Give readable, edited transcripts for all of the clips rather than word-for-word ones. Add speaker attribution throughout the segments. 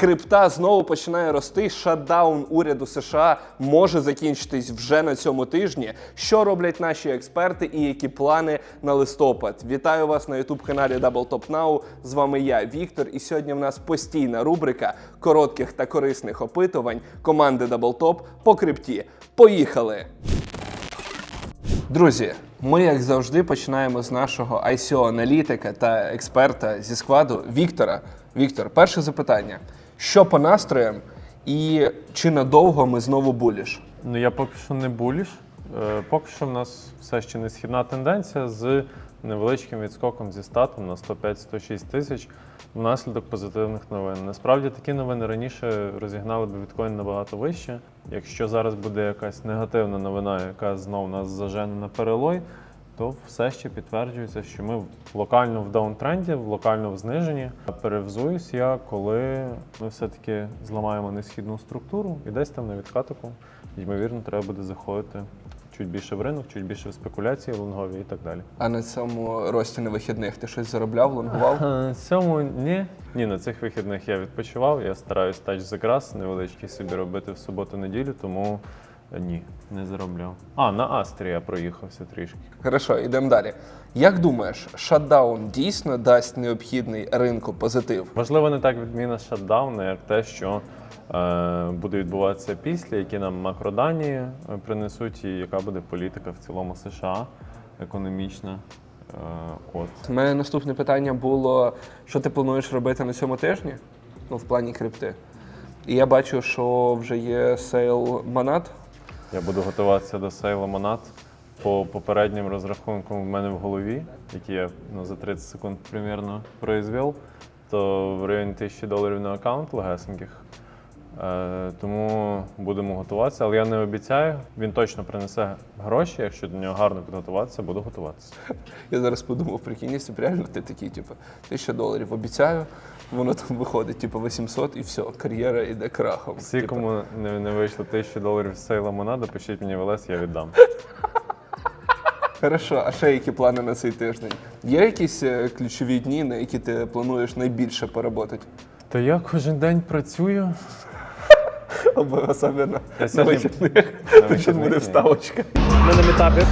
Speaker 1: Крипта знову починає рости, шатдаун уряду США може закінчитись вже на цьому тижні. Що роблять наші експерти і які плани на листопад? Вітаю вас на YouTube-каналі Double Top Now. З вами я, Віктор, і сьогодні в нас постійна рубрика коротких та корисних опитувань команди Double Top по крипті. Поїхали! Друзі, ми, як завжди, починаємо з нашого ICO-аналітика та експерта зі складу Віктора. Віктор, перше запитання. Що по настроям і чи надовго ми знову буліш?
Speaker 2: Ну, я поки що не буліш. Поки що в нас все ще не східна тенденція з невеличким відскоком зі статом на 105-106 тисяч внаслідок позитивних новин. Насправді такі новини раніше розігнали б біткоін набагато вище. Якщо зараз буде якась негативна новина, яка знов нас зажене на перелой, то все ще підтверджується, що ми локально в даунтренді, локально в зниженні. Перевзуюсь я, коли ми все-таки зламаємо несхідну структуру і десь там на відкатику, ймовірно, треба буде заходити чуть більше в ринок, чуть більше в спекуляції, лонгові і так далі.
Speaker 1: А на цьому рості на вихідних ти щось заробляв, лонгував?
Speaker 2: На цьому ні. Ні, на цих вихідних я відпочивав, я стараюсь touch the grass, невеличкий собі робити в суботу-неділю, тому ні, не заробляв. На Астрі я проїхався трішки.
Speaker 1: Хорошо, йдемо далі. Як думаєш, шатдаун дійсно дасть необхідний ринку позитив?
Speaker 2: Можливо, не так відміна шатдауну, як те, що буде відбуватися після, які нам макродані принесуть, і яка буде політика в цілому США, економічна.
Speaker 1: У мене наступне питання було, що ти плануєш робити на цьому тижні, в плані крипти. І я бачу, що вже є сейл Монад.
Speaker 2: Я буду готуватися до сейлу Монад. По попереднім розрахункам в мене в голові, які я за 30 секунд примірно произвів, то в районі $1000 на аккаунт легесеньких. Тому будемо готуватися, але я не обіцяю. Він точно принесе гроші, якщо до нього гарно підготуватися, буду готуватися.
Speaker 1: Я зараз подумав, прикинь, якщо реально ти такий, $1000 обіцяю, воно там виходить, 800 і все, кар'єра йде крахом.
Speaker 2: Всі, кому не вийшло $1000 з сейла Монада, пишіть мені в ЛС, я віддам.
Speaker 1: Хорошо, а ще які плани на цей тиждень? Є якісь ключові дні, на які ти плануєш найбільше поработати?
Speaker 2: Та я кожен день працюю.
Speaker 1: Особливо на вихідних. Тут буде вставочка.
Speaker 2: Ми на метапі.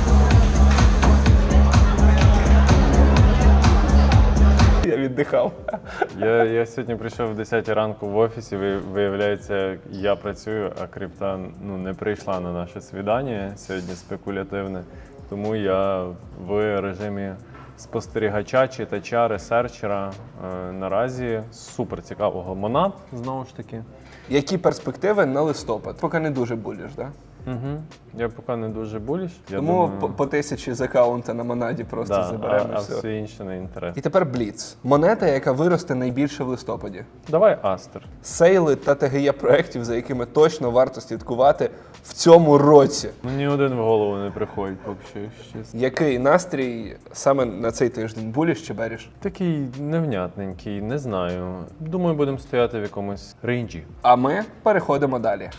Speaker 1: Я віддихав.
Speaker 2: Я сьогодні прийшов в 10 ранку в офісі, виявляється, я працюю, а крипта не прийшла на наше свідання сьогодні спекулятивне. Тому я в режимі спостерігача, читача, ресерчера наразі супер цікавого Монад, знову ж таки.
Speaker 1: Які перспективи на листопад? Поки не дуже буліш, так?
Speaker 2: Угу. Я поки не дуже буліш.
Speaker 1: Тому думаю, по 1000 з аккаунта на Монаді просто заберемо.
Speaker 2: А все інше не інтересно.
Speaker 1: І тепер Бліц. Монета, яка виросте найбільше в листопаді.
Speaker 2: Давай Астер.
Speaker 1: Сейли та ТГЄ проєктів, за якими точно варто слідкувати в цьому році.
Speaker 2: Ні один в голову не приходить поки що, якщо чесно.
Speaker 1: Який настрій саме на цей тиждень? Буліш чи беріш?
Speaker 2: Такий невнятненький, не знаю. Думаю, будемо стояти в якомусь рейнджі.
Speaker 1: А ми переходимо далі.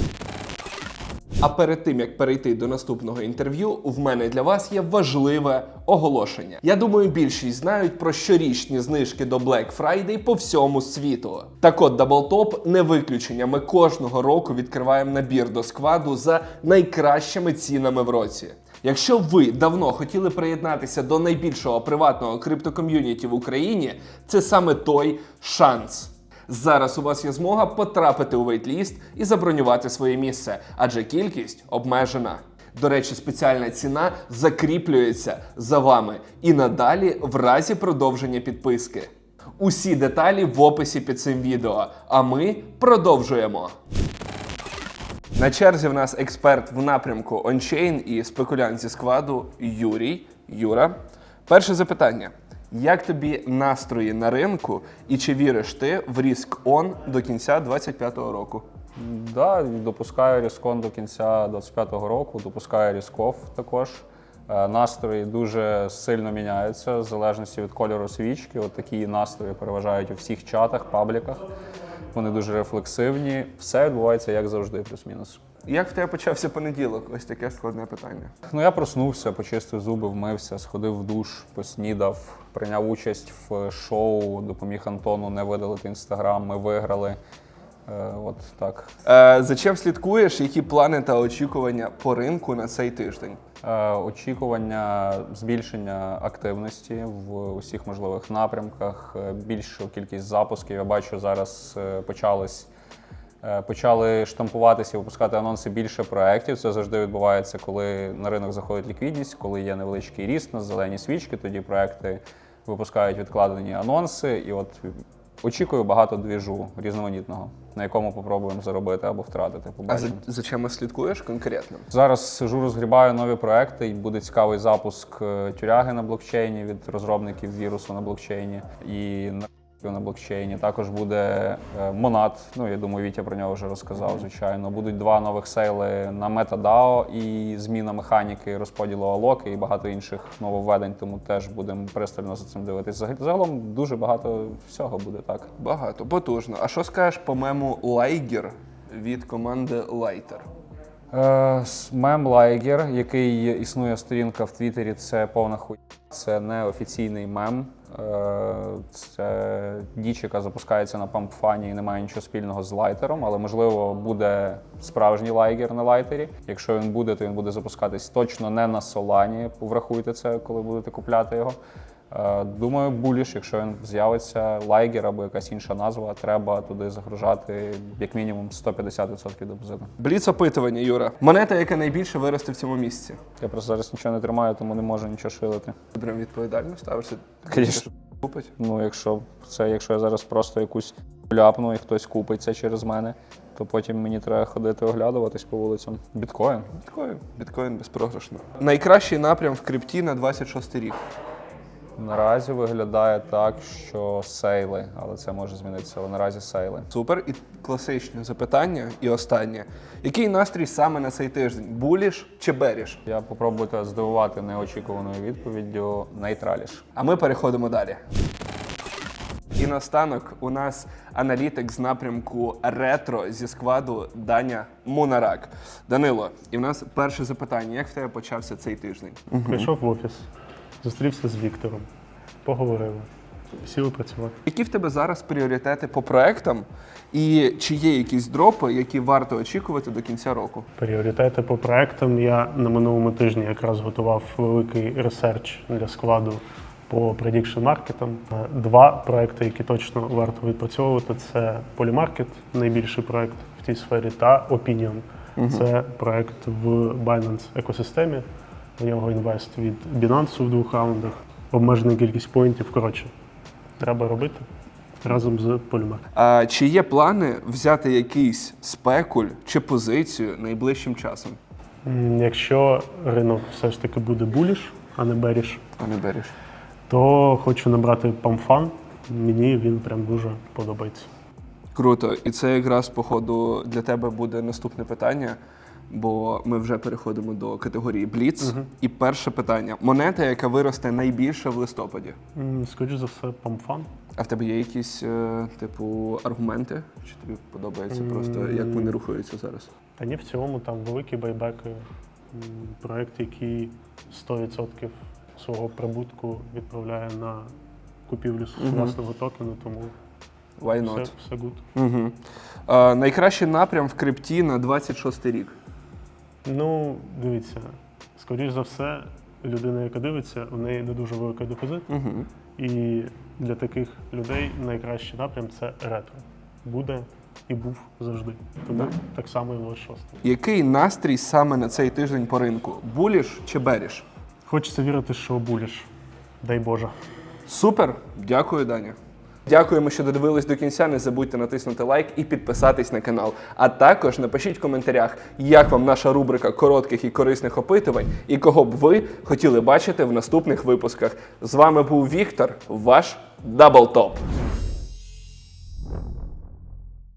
Speaker 1: А перед тим, як перейти до наступного інтерв'ю, в мене для вас є важливе оголошення. Я думаю, більшість знають про щорічні знижки до Black Friday по всьому світу. Так от, Double Top не виключення. Ми кожного року відкриваємо набір до складу за найкращими цінами в році. Якщо ви давно хотіли приєднатися до найбільшого приватного криптоком'юніті в Україні, це саме той шанс. Зараз у вас є змога потрапити у вейтліст і забронювати своє місце, адже кількість обмежена. До речі, спеціальна ціна закріплюється за вами і надалі в разі продовження підписки. Усі деталі в описі під цим відео, а ми продовжуємо. На черзі в нас експерт в напрямку ончейн і спекулянт зі складу Юра. Перше запитання. Як тобі настрої на ринку і чи віриш ти в ріск-он до кінця 2025 року?
Speaker 3: Так, допускаю ріск-он до кінця 2025 року, допускаю ріск-офф також. Настрої дуже сильно міняються в залежності від кольору свічки. От такі настрої переважають у всіх чатах, пабліках. Вони дуже рефлексивні. Все відбувається як завжди, плюс-мінус.
Speaker 1: Як в тебе почався понеділок? Ось таке складне питання.
Speaker 3: Я проснувся, почистив зуби, вмився, сходив в душ, поснідав, прийняв участь в шоу, допоміг Антону не видалити Інстаграм, ми виграли. От так.
Speaker 1: За чим слідкуєш? Які плани та очікування по ринку на цей тиждень?
Speaker 3: Очікування збільшення активності в усіх можливих напрямках, більшу кількість запусків. Я бачу, зараз почали штампуватися і випускати анонси більше проєктів. Це завжди відбувається, коли на ринок заходить ліквідність, коли є невеличкий ріст на зелені свічки, тоді проєкти випускають відкладені анонси. І от очікую багато двіжу різноманітного, на якому попробуємо заробити або втратити. Побачимо.
Speaker 1: За чим слідкуєш конкретно?
Speaker 3: Зараз сижу, розгрібаю нові проекти, і буде цікавий запуск тюряги на блокчейні від розробників вірусу на блокчейні і на блокчейні. Також буде Monad, я думаю, Вітя про нього вже розказав, звичайно. Будуть 2 нових сейли на MetaDAO і зміна механіки розподілу алоки і багато інших нововведень, тому теж будемо пристально за цим дивитись. Загалом дуже багато всього буде, так.
Speaker 1: Багато, потужно. А що скажеш по мему Liger від команди Lighter?
Speaker 3: Мем Liger, який існує сторінка в Твіттері, це повна хуйня. Це не офіційний мем. Це діч, яка запускається на пампфані і не має нічого спільного з лайтером, але, можливо, буде справжній лайгер на лайтері. Якщо він буде, то він буде запускатись точно не на Солані. Врахуйте це, коли будете купляти його. Думаю, буліш, якщо він з'явиться, лайгер або якась інша назва, треба туди загружати як мінімум 150% депозиту.
Speaker 1: Бліц опитування, Юра. Монета, яка найбільше виросте в цьому місяці?
Speaker 3: Я просто зараз нічого не тримаю, тому не можу нічого шилити.
Speaker 1: Ти прям відповідально ставишся?
Speaker 3: Звісно.
Speaker 1: Купить?
Speaker 3: Якщо я зараз просто якусь ляпну і хтось купить це через мене, то потім мені треба ходити оглядуватись по вулицям. Біткоін.
Speaker 1: Біткоін безпрограшно. Найкращий напрям в крипті на 26 рік?
Speaker 3: Наразі виглядає так, що сейли, але це може змінитися, але наразі сейли.
Speaker 1: Супер. І класичне запитання, і останнє. Який настрій саме на цей тиждень? Буліш чи беріш?
Speaker 3: Я попробую тебе здивувати неочікуваною відповіддю нейтраліш.
Speaker 1: А ми переходимо далі. І наостанок у нас аналітик з напрямку ретро зі складу Даня Мунарак. Данило, і в нас перше запитання. Як в тебе почався цей тиждень?
Speaker 4: Прийшов в офіс, зустрівся з Віктором, поговорили, сіли працювати.
Speaker 1: Які в тебе зараз пріоритети по проектам? І чи є якісь дропи, які варто очікувати до кінця року?
Speaker 4: Пріоритети по проектам. Я на минулому тижні якраз готував великий ресерч для складу по prediction маркетам. 2 проекти, які точно варто відпрацьовувати, це Polymarket, найбільший проект в тій сфері, та Opinion. Це проект в Binance екосистемі. В нього інвест від Binance в 2 раундах. Обмежена кількість поінтів. Коротше, треба робити разом з Polymarket.
Speaker 1: А чи є плани взяти якийсь спекуль чи позицію найближчим часом?
Speaker 4: Якщо ринок все ж таки буде буліш, а не беріш, то хочу набрати памфан. Мені він прям дуже подобається.
Speaker 1: Круто. І це якраз, походу, для тебе буде наступне питання, бо ми вже переходимо до категорії Бліц. І перше питання. Монета, яка виросте найбільше в листопаді?
Speaker 4: Скоріше за все, памфан.
Speaker 1: А в тебе є якісь, аргументи? Чи тобі подобається просто, як вони рухаються зараз?
Speaker 4: Та ні, в цілому там великі байбеки, проєкт, який 100% свого прибутку відправляє на купівлю власного токену, тому
Speaker 1: Why not?
Speaker 4: все good.
Speaker 1: Угу. Найкращий напрям в крипті на 26 рік?
Speaker 4: Дивіться, скоріш за все, людина, яка дивиться, в неї не дуже великий депозит. І для таких людей найкращий напрям – це ретро. Буде і був завжди. Тому так само і в 26.
Speaker 1: Який настрій саме на цей тиждень по ринку? Буліш чи беріш?
Speaker 4: Хочеться вірити, що буліш. Дай Боже.
Speaker 1: Супер! Дякую, Даня. Дякуємо, що додивились до кінця. Не забудьте натиснути лайк і підписатись на канал. А також напишіть в коментарях, як вам наша рубрика коротких і корисних опитувань і кого б ви хотіли бачити в наступних випусках. З вами був Віктор, ваш Даблтоп.